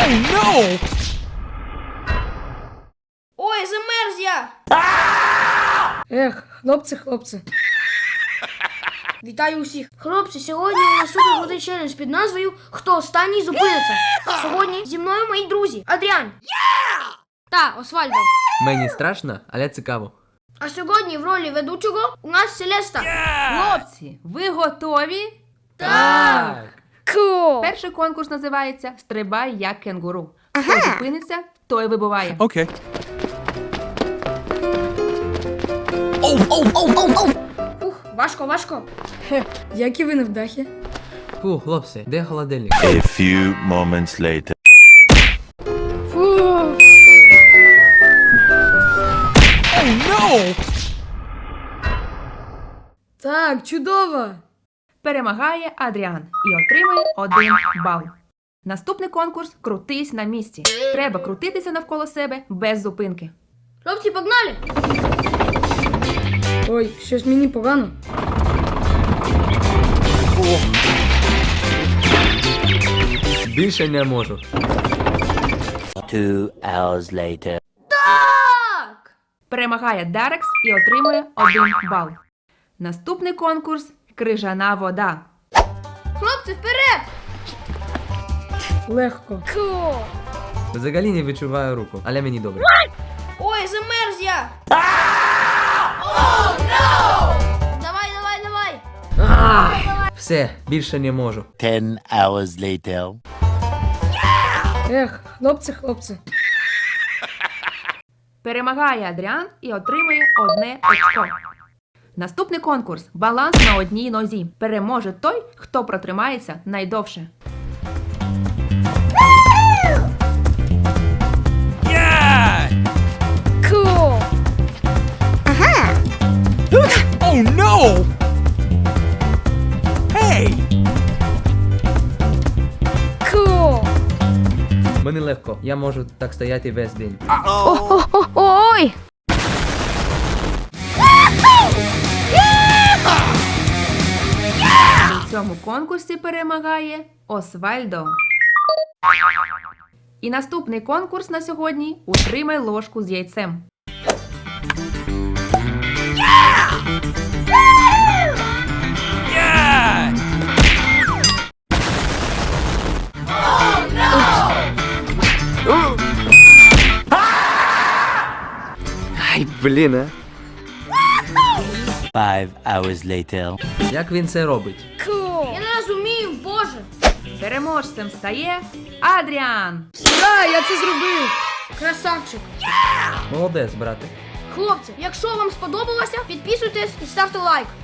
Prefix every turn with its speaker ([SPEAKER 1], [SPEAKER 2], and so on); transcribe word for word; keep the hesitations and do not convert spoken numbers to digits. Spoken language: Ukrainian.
[SPEAKER 1] Oh, no!
[SPEAKER 2] Ой, замерз я!
[SPEAKER 3] Ех, хлопці, хлопці.
[SPEAKER 2] Вітаю усіх! Хлопці, сьогодні у нас супер крутий челендж під назвою «Хто останній зупиниться». Сьогодні зі мною мої друзі Адріан та Освальдо.
[SPEAKER 4] Мені страшно, але цікаво.
[SPEAKER 2] А сьогодні в ролі ведучого у нас Селеста.
[SPEAKER 5] Хлопці, ви готові?
[SPEAKER 4] Так!
[SPEAKER 2] Cool.
[SPEAKER 5] Перший конкурс називається «Стрибай як кенгуру». Хто зупиниться, той вибуває.
[SPEAKER 1] Okay. Oh, oh, oh, oh, oh!
[SPEAKER 2] Ух, важко, важко.
[SPEAKER 3] Хе, як і ви невдахи.
[SPEAKER 4] Фу, хлопці, де холодильник?
[SPEAKER 6] A few moments later.
[SPEAKER 3] Фу.
[SPEAKER 1] Oh, no!
[SPEAKER 3] Так, чудово.
[SPEAKER 5] Перемагає Адріан і отримує один бал. Наступний конкурс «Крутись на місці». Треба крутитися навколо себе без зупинки.
[SPEAKER 2] Хлопці, погнали!
[SPEAKER 3] Ой, щось мені погано.
[SPEAKER 4] Більше не можу.
[SPEAKER 6] Two hours later.
[SPEAKER 2] Так!
[SPEAKER 5] Перемагає Дарекс і отримує один бал. Наступний конкурс «Крижана вода».
[SPEAKER 2] Хлопці, вперед!
[SPEAKER 3] Легко.
[SPEAKER 2] Cool.
[SPEAKER 4] Взагалі не відчуваю руку, але мені добре.
[SPEAKER 2] Ой, замерз я! Oh, no! Давай, давай, давай!
[SPEAKER 4] Все, більше не можу.
[SPEAKER 6] Ten hours later.
[SPEAKER 3] Ех, хлопці, хлопці.
[SPEAKER 5] Перемагає Адріан і отримує одне очко. Наступний конкурс «Баланс на одній нозі». Переможе той, хто протримається найдовше.
[SPEAKER 1] Yeah!
[SPEAKER 2] Cool.
[SPEAKER 1] Oh, no! Hey!
[SPEAKER 2] Cool.
[SPEAKER 4] Мені легко, я можу так стояти весь день.
[SPEAKER 2] Ой!
[SPEAKER 5] У цьому конкурсі перемагає Освальдо. І наступний конкурс на сьогодні «Утримай ложку з яйцем».
[SPEAKER 1] Yeah!
[SPEAKER 4] Ай, блін, а.
[SPEAKER 6] Five hours later.
[SPEAKER 4] Як він це робить?
[SPEAKER 2] Я не розумію, боже!
[SPEAKER 5] Переможцем стає Адріан.
[SPEAKER 3] Ура, я це зробив.
[SPEAKER 2] Красавчик!
[SPEAKER 4] Молодець, брате.
[SPEAKER 2] Хлопці, якщо вам сподобалося, підписуйтесь і ставте лайк.